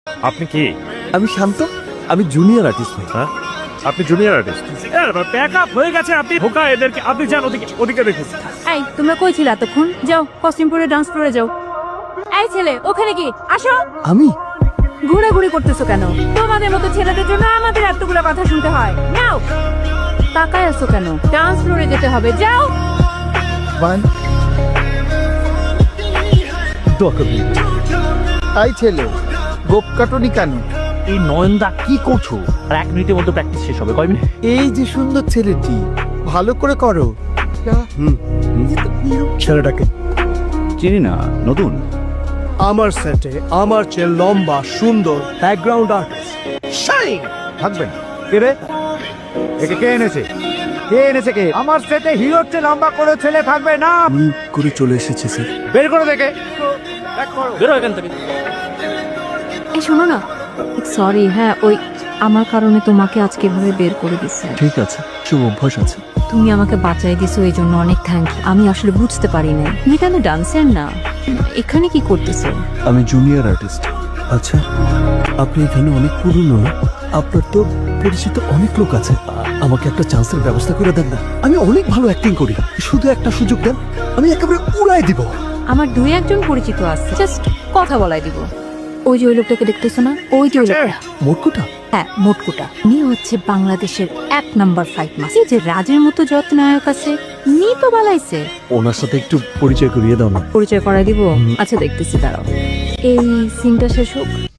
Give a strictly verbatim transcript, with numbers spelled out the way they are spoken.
আপনি কি? আমি শান্ত, আমি জুনিয়র আর্টিস্ট ভাই। হ্যাঁ, আপনি জুনিয়র আর্টিস্ট। প্যাক আপ হয়ে গেছে, আপনি ঢোকা এদেরকে, আপনি যান ওদিকে, ওদিকে দেখুন। এই তোমরা কই ছিল এতক্ষণ? যাও কস্টিউম পরে ডান্স ফ্লোরে যাও। এই ছেলে ওখানে কি আসো। আমি ঘোরাঘুরি করতেছো কেন? তোমাদের মতো ছেলেদের জন্য আমাদের এতগুলো কথা শুনতে হয়। নাও তাকায় আছো কেন? ডান্স ফ্লোরে যেতে হবে, যাও। ওয়ান আই ছেলে গোপ কাটনি কেন? এই নয়নদা কি করছো? আর এক মিনিটের মধ্যে প্র্যাকটিস শেষ হবে। কয় মিনিট? এই যে সুন্দর ছেলেটি, ভালো করে করো। ছেলেটাকে চিনি না, নতুন। আমার সেটে আমার চেয়ে লম্বা সুন্দর ব্যাকগ্রাউন্ড আর্টিস্ট শাইন থাকবেন কে রে? একে কে এনেছে? কে এনেছে কে? আমার সেটে হিরোর চেয়ে লম্বা করে ছেলে থাকবে না। আমি করে চলে এসেছে স্যার। বের করে দেখে। বেরো এখান থেকে। এই শোনো না, সরি হ্যাঁ, ওই আমার কারণে তোমাকে আজকে এভাবে বের করে দিচ্ছে। ঠিক আছে, সব অভ্যাস আছে। তুমি আমাকে বাঁচাই দিছো, এই জন্য অনেক থ্যাংক ইউ। আমি আসলে বুঝতে পারি না তুমি কেন ডান্সার না, এখানে কি করতেছো? আমি জুনিয়র আর্টিস্ট। আচ্ছা, আপনি এখানে অনেক পুরনো না? আপনার তো পরিচিত অনেক লোক আছে। আ- আমাকে একটা চান্সের ব্যবস্থা করে দেন না। আমি অনেক ভালো অ্যাক্টিং করি, শুধু একটা সুযোগ দেন, আমি একেবারে উড়াই দিব। আমার দুই একজন পরিচিত আছে, জাস্ট কথা বলাই দিব। ওই যে ওই লোকটাকে দেখতেছো না, ওই যে ওই লোকটা, মোটকুটা হ্যাঁ মোটকুটা, উনি হচ্ছে বাংলাদেশের এক নাম্বার ফাইট মাস্টার। যে রাজের মতো যত নায়ক আছে নি তো বালাইছে। ওনার সাথে একটু পরিচয় করিয়ে দাও না। পরিচয় করাই দিব। আচ্ছা দেখতেছি, দাঁড়াও। এই সিনটা শেষ হোক,